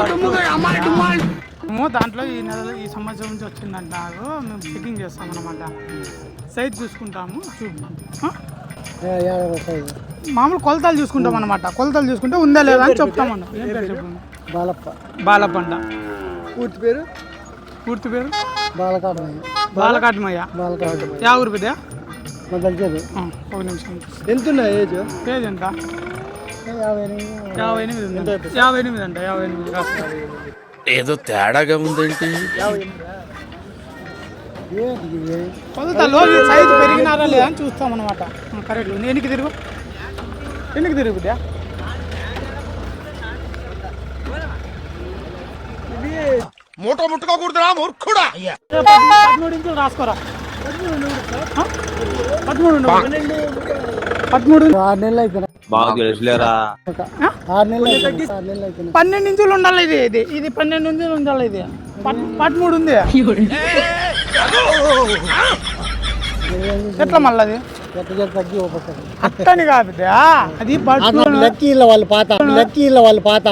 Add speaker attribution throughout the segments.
Speaker 1: దాంట్లో ఈ నెలలో ఈ సంవత్సరం నుంచి వచ్చిందంటారు. మేము చెకింగ్ చేస్తాం అన్నమాట. సైజ్ చూసుకుంటాము. మామూలు కొలతలు చూసుకుంటాం అన్నమాట. కొలతలు చూసుకుంటే ఉందా లేదా అని చెప్తామన్న. ఏం పేరు చెప్పండి? బాలపండ. పూర్తి పేరు బాలకాటమయ్య. యా ఊరు పెద్ద? ఒక నిమిషం.
Speaker 2: ఎంత ఏజ్
Speaker 1: ఎంత? 58 అంట. 58
Speaker 3: ఏదో తేడాగా ఉందేంటి?
Speaker 1: కొలతలో సైజు పెరిగినారా లేదా అని చూస్తాం అన్నమాట. కరెక్ట్. ఎన్నికి తిరుగు బిడ్డ.
Speaker 3: మూట ముట్టుకోకూడదురా మూర్ఖుడా.
Speaker 1: 13 ఇంచులు రాసుకోరా. 13
Speaker 2: 6 నెలలు అయిపోయినా.
Speaker 1: 12 ఇంచులు ఉండాలి. ఇది 12 ఇంచులు ఉండాలి. ఇది 13 ఉంది. ఎట్లా మళ్ళీ అది
Speaker 2: తగ్గి
Speaker 1: అట్టని కాదు. అది
Speaker 2: లక్కీల వాళ్ళు పాత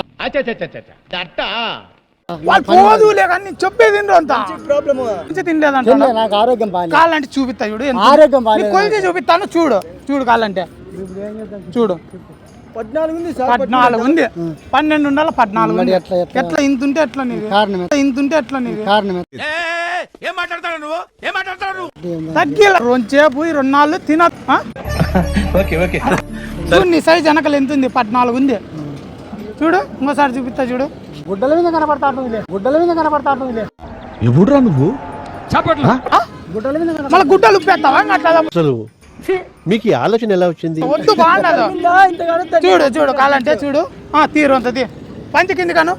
Speaker 1: వాళ్ళు పోదులే కానీ చెప్పేది అంత తినలేదంట.
Speaker 2: నాకు ఆరోగ్యం బాగా
Speaker 1: కాళ్ళంటే చూపిస్తా చూడు.
Speaker 2: ఆరోగ్యం బాగా
Speaker 1: కొలిచి చూపిస్తాను చూడు కాళ్ళంటే చూడు. 14 ఉంది. 12 ఉండాలి. 14 ఉంది. ఎట్లా ఇంతుంటే ఎట్లా నీది? కారణం
Speaker 3: ఏం మాట్లాడతాడు నువ్వు?
Speaker 1: తగ్గిల 2 సేపు 2 నాళ్ళు తిన. నీ సైజ్ వెనకలు ఎంత ఉంది? 14 ఉంది. చూడు ఇంకోసారి చూపిస్తా చూడు.
Speaker 2: గుడ్డల మీద కనపడతాడు.
Speaker 3: ఎప్పుడురా నువ్వు?
Speaker 1: మళ్ళీ గుడ్డలు ఉప్పేస్తావా?
Speaker 4: అసలు మీకు ఈ ఆలోచన ఎలా వచ్చింది?
Speaker 1: వద్దు బాగుండదు. చూడు కాలంటే చూడు. తీరు అంత పంచి కింది కాను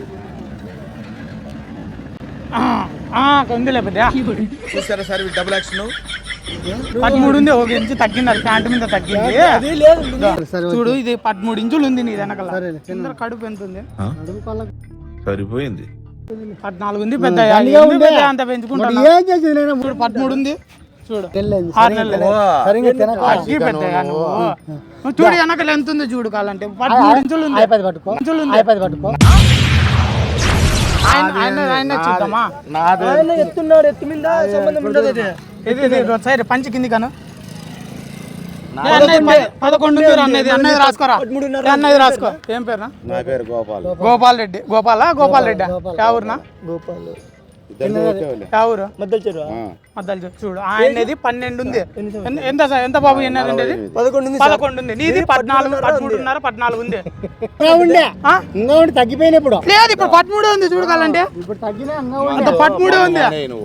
Speaker 1: ఉంది. లేకపోతే
Speaker 3: చూసారా సార్ డబుల్ యాక్షన్.
Speaker 1: 13 ఉంది. 1 ఇంచు తగ్గింది. అది ప్యాంటు మీద తగ్గింది. చూడు ఇది 13 ఇంచులు ఉంది నీ వెనకాల. కడుపు ఎంత ఉంది?
Speaker 3: సరిపోయింది.
Speaker 1: 14 ఉంది. పెద్ద అంత పెంచుకుంటాను. 13 ఉంది. చూడు 6 నెలలు. చూడు వెనకలు ఎంత ఉంది చూడు. కాలంటే 13 ఇంచులు ఉంది. ఆయన చూద్దామా?
Speaker 2: ఎత్తున్నాడు. ఎత్తు మీద సంబంధం ఉండదు.
Speaker 1: ఇది సరే పంచి కింది కాను. 11 అన్నది రాసుకోరా. అన్నది రాసుకో. ఏం పేరు?
Speaker 3: నా పేరు
Speaker 1: గోపాల్ రెడ్డి. గోపాల్ రెడ్డి. ఎవరునా? ఎవరు? మద్దలు చూడు. ఆయనది 12 ఉంది. ఎంత బాబు? ఎన్నది? 11 ఉంది. నీది 14, 13.5, 14 ఉంది.
Speaker 2: తగ్గిపోయినప్పుడు
Speaker 1: లేదు ఇప్పుడు 13 ఉంది. చూడగాలంటే
Speaker 2: ఇప్పుడు తగ్గిన
Speaker 1: 13 ఉంది.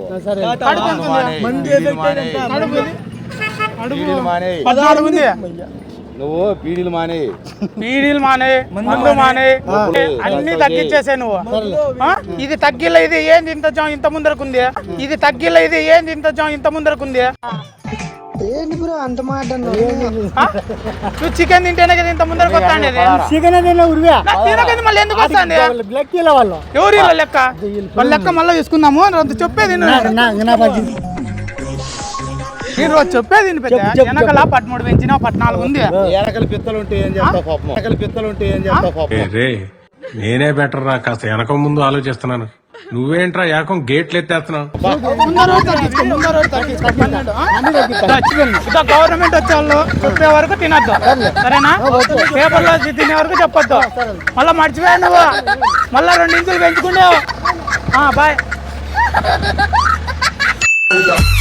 Speaker 3: నువ్వు పీడీలు మానే
Speaker 1: మందు మానే అన్ని తగ్గించేసే నువ్వు. ఇది తగ్గిల. ఇది ఏంది ఇంత ముందరకుంది? ఇది తగ్గిల. ఇది ఏంది ఇంత ముందరకుంది?
Speaker 2: అంత మాట
Speaker 1: నువ్వు చికెన్ తింటేనే కదా ఇంత ముందరకు వస్తాండి. మళ్ళీ ఎందుకు వస్తాండి? ఎవరు లెక్క? వాళ్ళ లెక్క మళ్ళీ తీసుకుందాము. చెప్పేది నేను రోజు చెప్పేది వెనకాల 13 పెంచినా 14 ఉంది.
Speaker 3: వెనకల పిత్తలు ఉంటే ఏం చేస్తావు?
Speaker 5: నేనే బెటర్ రా. కాస్త వెనక ముందు ఆలోచిస్తున్నాను. నువ్వేంట్రా ఏకం గేట్లు ఎత్తేస్తున్నావు?
Speaker 1: గవర్నమెంట్ వచ్చే వాళ్ళు చెప్పే వరకు తినద్దు. సరేనా? పేపర్లో తినే వరకు చెప్పొద్దు. మళ్ళీ మర్చిపోయా నువ్వు. మళ్ళా 2 ఇంచులు పెంచుకున్నావు. బాయ్.